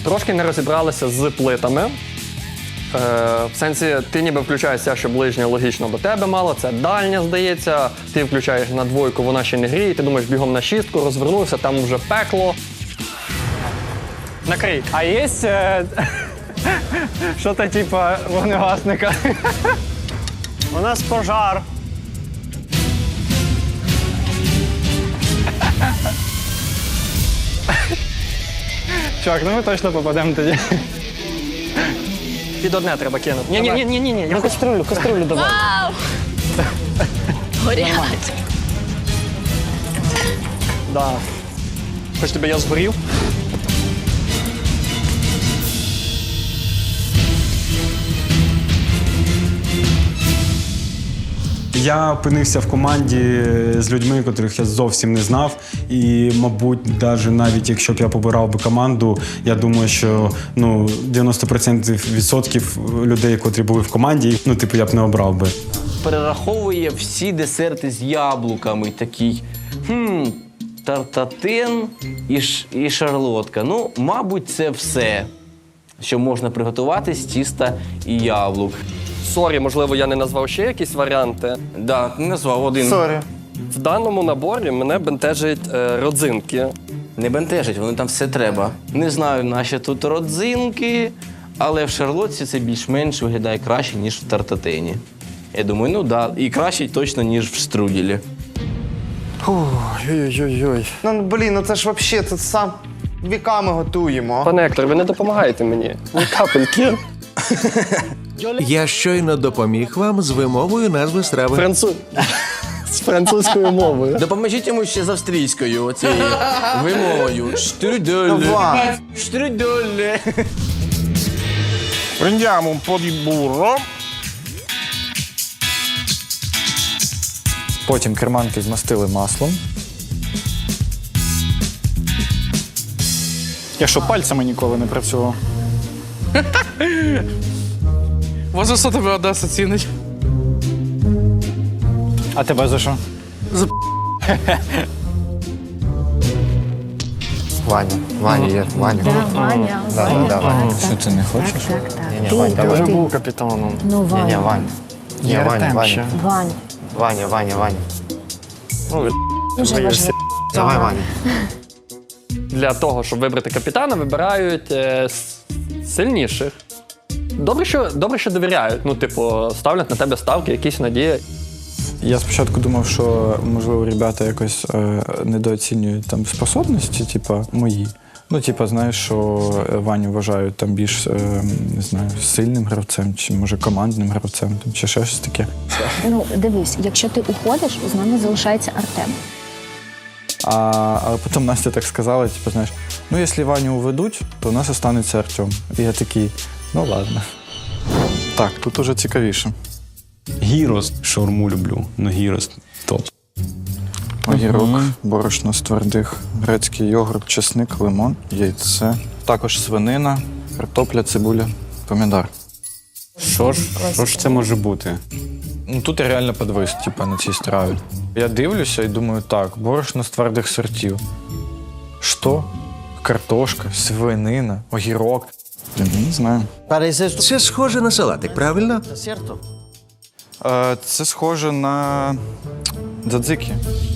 Трошки не розібралися з плитами. В сенсі, ти ніби включаєшся, що ближня логічно до тебе мало, це дальня, здається. Ти включаєш на двойку, вона ще не гріє, ти думаєш бігом на шістку, розвернувся, там вже пекло. Накрий. А є що-то типу вогнегасника? У нас пожар. Чувак, ну ми точно попадемо тоді. Під одне треба кинути. Ні. Ну каструлю давай. Вау! Горять. Да. Хоч тебе я згорів? Я опинився в команді з людьми, котрих я зовсім не знав. І, мабуть, навіть якщо б я побирав би команду, я думаю, що 90% людей, котрі були в команді, я б не обрав би. Перераховує всі десерти з яблуками. Такий, тартатин і шарлотка. Ну, мабуть, це все, що можна приготувати з тіста і яблук. Сорі, можливо, я не назвав ще якісь варіанти. Да, ти назвав один. Сорі. В даному наборі мене бентежать родзинки. Не бентежить, вони там все треба. Не знаю, наші тут родзинки, але в шарлотці це більш-менш виглядає краще, ніж в тартатині. Я думаю, і краще точно, ніж в штруделі. Ой-ой-ой. Ну це ж взагалі, це сам віками готуємо. Пане Ектор, ви не допомагаєте мені. Ні капельки. Я щойно допоміг вам з вимовою назви страви. З французькою мовою. Допоможіть йому ще з австрійською оцією вимовою. Штруделі. Штруделі. Prendiamo un po' di burro. Потім керманки змастили маслом. Я що, пальцями ніколи не працював? Може, що тебе Одеса цінить? А тебе за що? Ваня є, Ваня. Ваня. Да, Ваня. Що ти не хочеш? Ні, Ваня, давай. Я вже був капітаном. Ну, Ні, Ваня. Ваня. Ні, Я Ваня, Артем Ваня. ще. Ваня. Дуже важливо. Давай, Ваня. Для того, щоб вибрати капітана, вибирають сильніших. Добре, що довіряють. Ставлять на тебе ставки, якісь надії. Я спочатку думав, що, можливо, ребята якось недооцінюють там способності, мої. Знаєш, що Ваню вважають там більш, не знаю, сильним гравцем, чи, може, командним гравцем, чи ще щось таке. Ну, дивись, якщо ти уходиш, з нами залишається Артем. А потім Настя так сказала, знаєш, якщо Ваню уведуть, то у нас останеться Артем. І я такий, ладно. Так, тут уже цікавіше. Гірос, шаурму люблю, гірос топ. Огірок, борошно з твердих, грецький йогурт, чесник, лимон, яйце. Також свинина, картопля, цибуля, помідор. Що ж це може бути? Тут я реально підвис, на цій страві. Я дивлюся і думаю, так, борошно з твердих сортів. Що? Картошка, свинина, огірок. Я не знаю. Це схоже на салатик, правильно? Це схоже на дзадзики.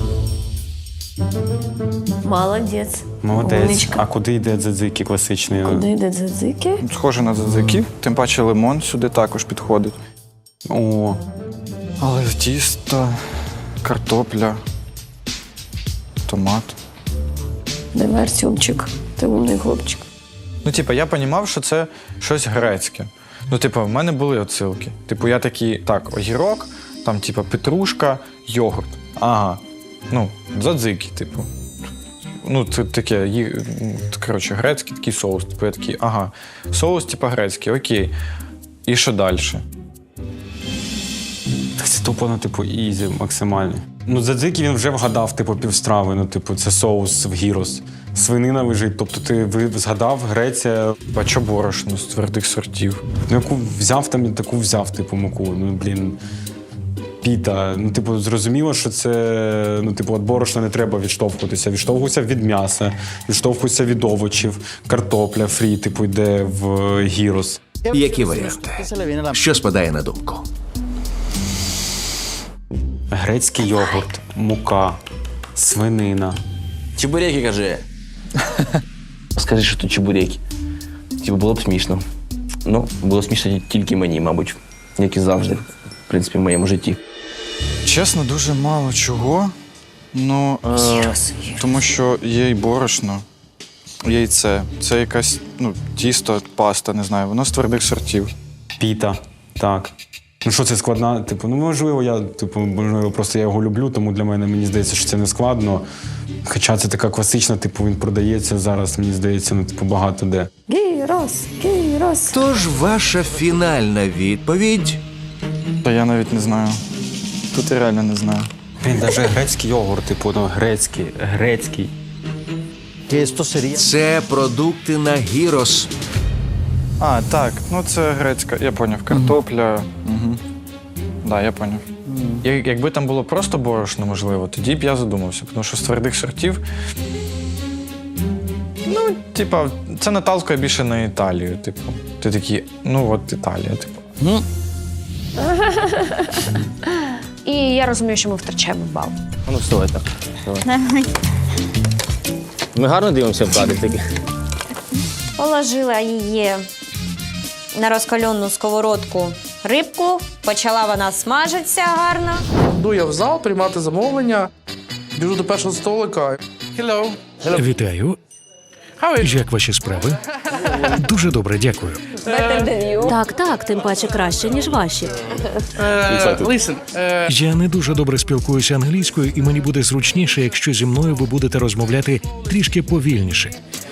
Молодець. Молодець. Умничка. А куди йде дзадзики класичний? Куди йде дзадзики? Схоже на дзадзики, тим паче лимон сюди також підходить. О, Але тісто, картопля, томат. Давай, Артемчик, ти умний хлопчик. Я розумів, що це щось грецьке. В мене були отсилки. Я такий, так, огірок, там, петрушка, йогурт. Ага. Дзадзики, це таке, коротше, грецький такий соус. Я такий, ага, соус, грецький, окей. І що далі? так це тупо, ізі максимальний. Дзадзики він вже вгадав, півстрави, це соус в гірос. Свинина лежить, тобто ти згадав Греція. А чо борошно з твердих сортів? Яку взяв, таку взяв, муку. Піта. Ну, типу, зрозуміло, що це, ну, типу, від борошна не треба відштовхуватися. Відштовхуйся від м'яса, відштовхуйся від овочів, картопля фрі, типу, йде в гірос. Які варіанти? Що спадає на думку? Грецький йогурт, мука, свинина. Чебуреки, кажи. Скажи, що тут чебуреки. Типу, було б смішно. Ну, було смішно тільки мені, мабуть, як і завжди, в принципі, в моєму житті. Чесно, дуже мало чого. Ну, тому що є й борошно, яйце. Це якась, ну, тісто, паста, не знаю, воно з твердих сортів. Піта, так. Ну що це складна? Типу, ну можливо, можливо, просто я його люблю, тому для мене мені здається, що це не складно. Хоча це така класична, типу, він продається зараз, мені здається, ну, типу, багато де. Тож ваша фінальна відповідь Та я навіть не знаю. Тут я реально не знаю. Він навіть грецький йогурт, типу, ну, грецький. це продукти на гірос. А, так, ну це грецька, я поняв, картопля. Угу. Да, я поняв. Якби там було просто борошно, можливо, тоді б я задумався, тому що з твердих сортів. Ну, типа, це наталкує більше на Італію, типу. Ти такий, ну от Італія, типу. І я розумію, що ми втрачаємо бал. Ну, вставай так. Ми гарно дивимося в кадрі таки. Положила її на розкалену сковородку рибку, почала вона смажитися гарно. Йду я в зал приймати замовлення, біжу до першого столика. Hello. Вітаю. How is Як ваші справи? Дуже добре, дякую. Так, тим паче краще, ніж ваші. Listen, Я не дуже добре спілкуюся англійською, і мені буде зручніше, якщо зі мною ви будете розмовляти трішки повільніше,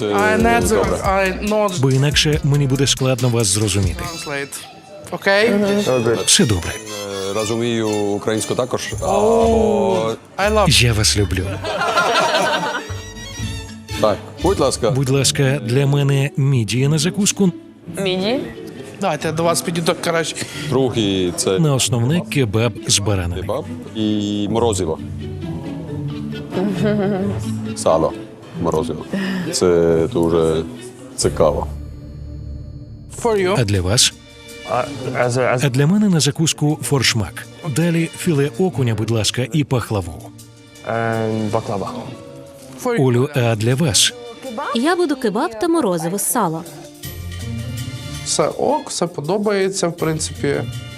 I not бо інакше мені буде складно вас зрозуміти. translate. Окей? Все добре. Розумію українську також. I love Я вас люблю. Так, будь ласка. Будь ласка, для мене мідія на закуску, Давайте я до вас підійду краще. Другий це на основне кебаб з баранами. кебаб і морозиво. Сало. Морозиво. Це дуже цікаво. For you. А для вас? А для мене на закуску форшмак. Далі філе окуня, будь ласка, і пахлаву. Баклава. For you. Олю, а для вас? Я буду кебаб та морозиво з сала. Все ок, все подобається, в принципі.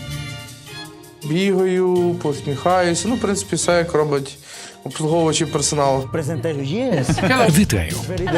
Бігаю, посміхаюся. Ну, в принципі, все як робить обслуговуючий персонал. Вітаю.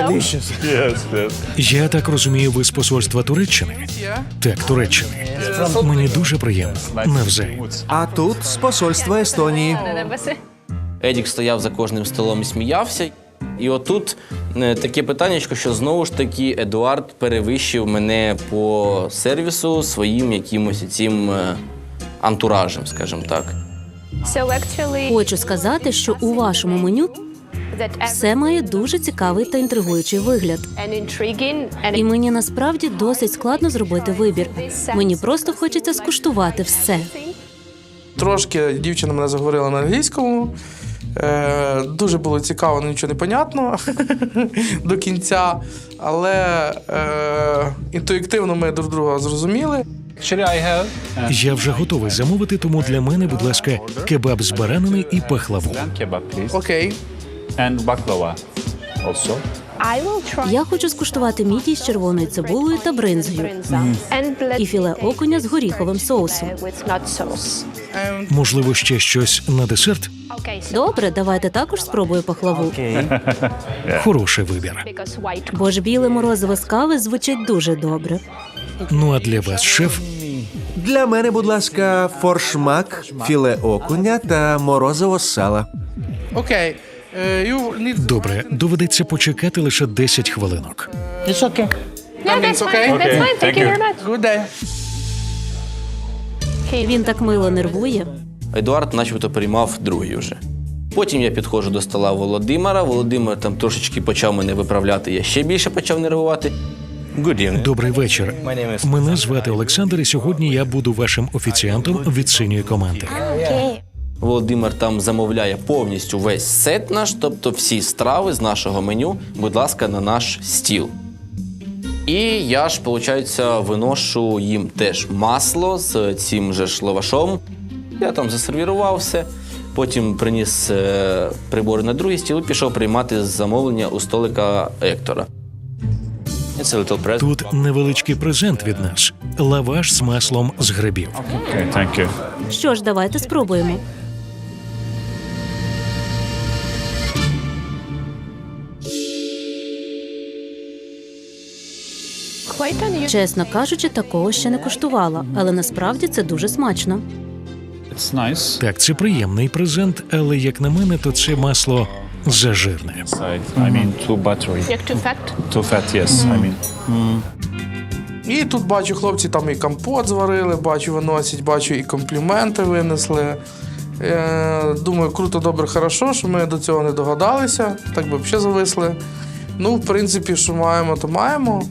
Я так розумію, ви з посольства Туреччини? Так, Туреччини. Мені дуже приємно. Навзаєм. А тут з посольства Естонії. Едік стояв за кожним столом і сміявся. І отут таке питаннячко, що знову ж таки Едуард перевищив мене по сервісу своїм якимось цим антуражем, скажімо так. Хочу сказати, що у вашому меню все має дуже цікавий та інтригуючий вигляд. І мені насправді досить складно зробити вибір. Мені просто хочеться скуштувати все. Трошки дівчина мене заговорила на англійському. Дуже було цікаво, але нічого не понятно до кінця. Але інтуїтивно ми друг друга зрозуміли. Я вже готовий замовити, тому для мене, будь ласка, кебаб з баранами і пахлаву. Окей. Я хочу скуштувати мідії з червоною цибулею та бринзою. І філе окуня з горіховим соусом. Можливо, ще щось на десерт? Добре, давайте також спробую пахлаву. Хороший вибір. Бо ж біле морозиво з кави звучить дуже добре. Ну а для вас, шеф? Для мене, будь ласка, форшмак, філе окуня та морозиво з сала. Окей. Добре, доведеться почекати лише 10 хвилинок. It's okay? Good day. Він так мило нервує. Едуард начебто приймав другий вже. Потім я підходжу до стола Володимира. Володимир там трошечки почав мене виправляти, я ще більше почав нервувати. Good evening. Добрий вечір. Мене звати Олександр, і сьогодні я буду вашим офіціантом від синьої команди. Володимир там замовляє повністю весь сет наш, тобто всі страви з нашого меню, будь ласка, на наш стіл. І я ж, виходить, виношу їм теж масло з цим же ж лавашом. Я там засервірував все, потім приніс прибори на другий стіл і пішов приймати замовлення у столика Ектора. Тут невеличкий презент від нас – лаваш з маслом з грибів. Okay, thank you. Що ж, давайте спробуємо. Чесно кажучи, такого ще не куштувала, але насправді це дуже смачно. It's nice. Так, це приємний презент, але, як на мене, то це масло зажирне. I mean, too buttery. Як too fat? Too fat, yes, I mean. І тут бачу, хлопці там і компот зварили, бачу, виносять, бачу, і компліменти винесли. Думаю, круто, добре, хорошо, що ми до цього не догадалися, так би взагалі зависли. Ну, в принципі, що маємо, то маємо.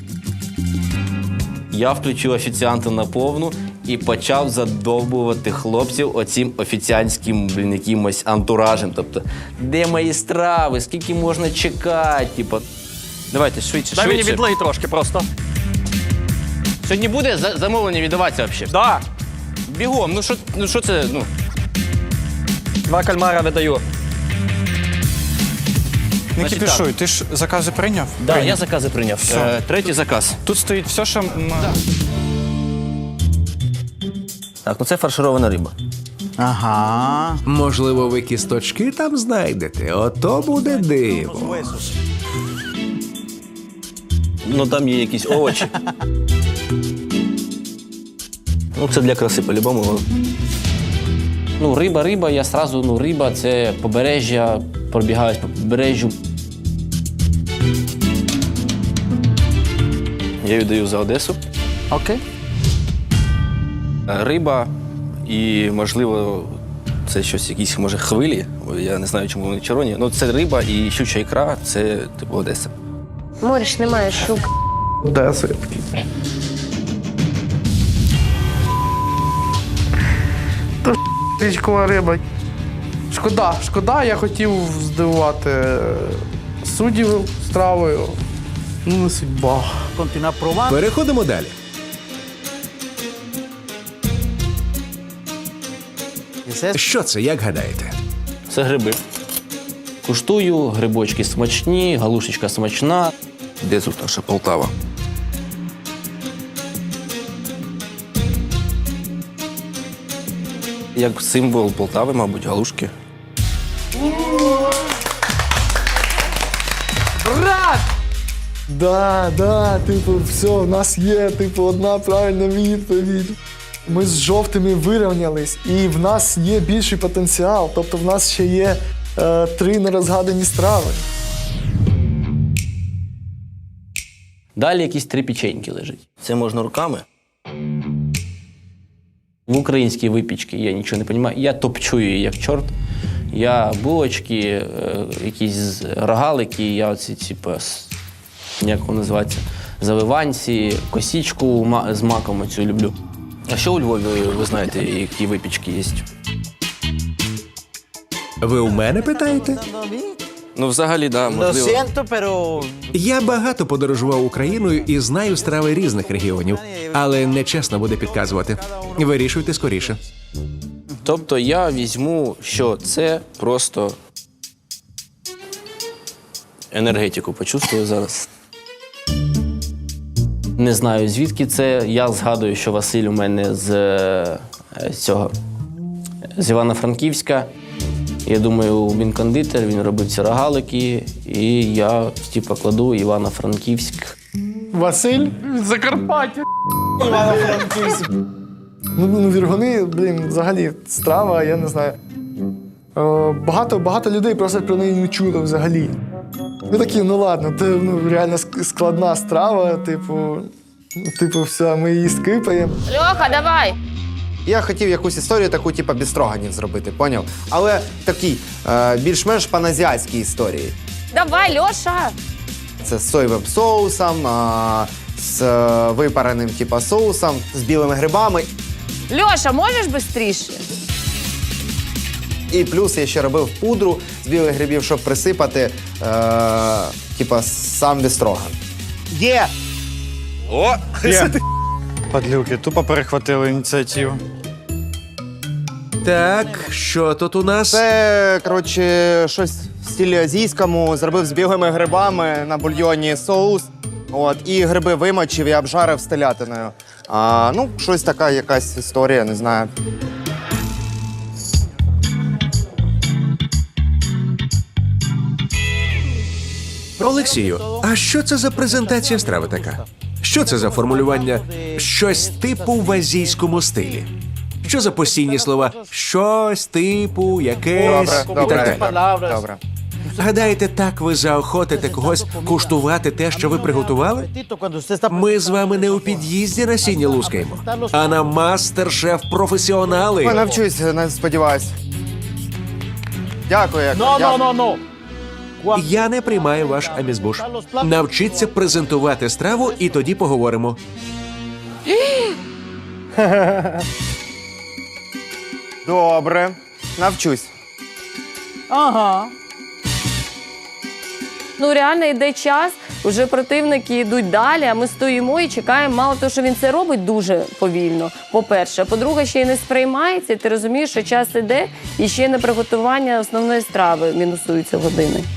Я включив офіціанта на повну і почав задовбувати хлопців оцим офіціантським, якимось антуражем. Тобто, де мої страви, скільки можна чекати, типу. Давайте, швидше, Дай мені швидше. відлий трошки просто. Сьогодні буде замовлення віддаватися взагалі? Да. Бігом, ну що це, ну. 2 кальмара видаю. Не Значить, кипішуй, ти ж закази прийняв? Да, Прийняв. я закази прийняв. Все. Третій заказ. Тут стоїть все, що... Так, ну це фарширована риба. Можливо, ви кісточки там знайдете. Ото буде диво. Ну там є якісь овочі. Ну це для краси по-любому. Ну риба, я сразу, ну риба, це побережжя, пробігаюсь по побережжю. Я віддаю за Одесу. Окей. Риба і, можливо, це щось, якісь, може, хвилі. Я не знаю, чому вони червоні. Ну, це риба і щуча ікра, це, типу, Одеса. Мориш, немає щук. Одеса я такий. То річкова риба. Шкода, я хотів здивувати суддів стравою. Ну, не судьба. Переходимо далі. Що це, як гадаєте? Це гриби. Куштую, грибочки смачні, галушечка смачна. Де тут наша Полтава? Як символ Полтави, мабуть, галушки. Да, типу, все, в нас є, типу, одна правильна відповідь. Ми з жовтими вирівнялись, і в нас є більший потенціал. Тобто в нас ще є 3 нерозгадані страви. Далі якісь 3 печеньки лежать. Це можна руками. В українській випічці я нічого не розумію. Я топчу її як чорт. Я булочки, якісь рогалики, я оці, типу, як воно називається, завиванці, косічку з маком оцю люблю. А що у Львові, ви знаєте, які випічки є? Ви у мене питаєте? Ну, взагалі, так, да, можливо. Я багато подорожував Україною і знаю страви різних регіонів, але нечесно буде підказувати. Вирішуйте скоріше. Тобто я візьму, що це просто енергетику почувствую зараз. Не знаю, звідки це. Я згадую, що Василь у мене з Івано-Франківська. Я думаю, він кондитер, він робив ці рогалики, і я, типу, кладу Івано-Франківськ. Василь? Закарпаття. Івано-Франківськ. Ну, віргуни, взагалі, страва, я не знаю. Багато людей просто про неї не чуло взагалі. Ми такі, ну ладно, це реально складна страва, типу, все, ми її скипаємо. Льоха, давай! Я хотів якусь історію таку, типу, без строганів зробити, поняв? Але такий, більш-менш паназіатській історії. Давай, Льоша! Це з соєвим соусом, з випареним, типу, соусом, з білими грибами. Льоша, можеш швидше? І плюс я ще робив пудру з білих грибів, щоб присипати типа сам бістроган. Є! О! Є. Падлюки, тупо перехватили ініціативу. Так, що тут у нас? Це, коротше, щось в стилі азійському. Зробив з білими грибами на бульйоні соус. От, і гриби вимочив і обжарив з телятиною. Ну, щось така якась історія, не знаю. Олексію, а що це за презентація страви така? Що це за формулювання «щось типу в азійському стилі»? Що за постійні слова «щось типу», «якесь» і так далі? Добре. Гадаєте, так ви заохотите когось куштувати те, що ви приготували? Ми з вами не у під'їзді на сіні лускаємо, а на мастер-шеф-професіонали. Я навчусь, не сподіваюсь. Дякую. Я не приймаю ваш амізбуш. Навчіться презентувати страву, і тоді поговоримо. Добре, навчусь. Ну реально йде час, вже противники йдуть далі, а ми стоїмо і чекаємо. Мало того, що він це робить дуже повільно, по-перше. По-друге, ще й не сприймається, і ти розумієш, що час іде, і ще й на приготування основної страви мінусуються години.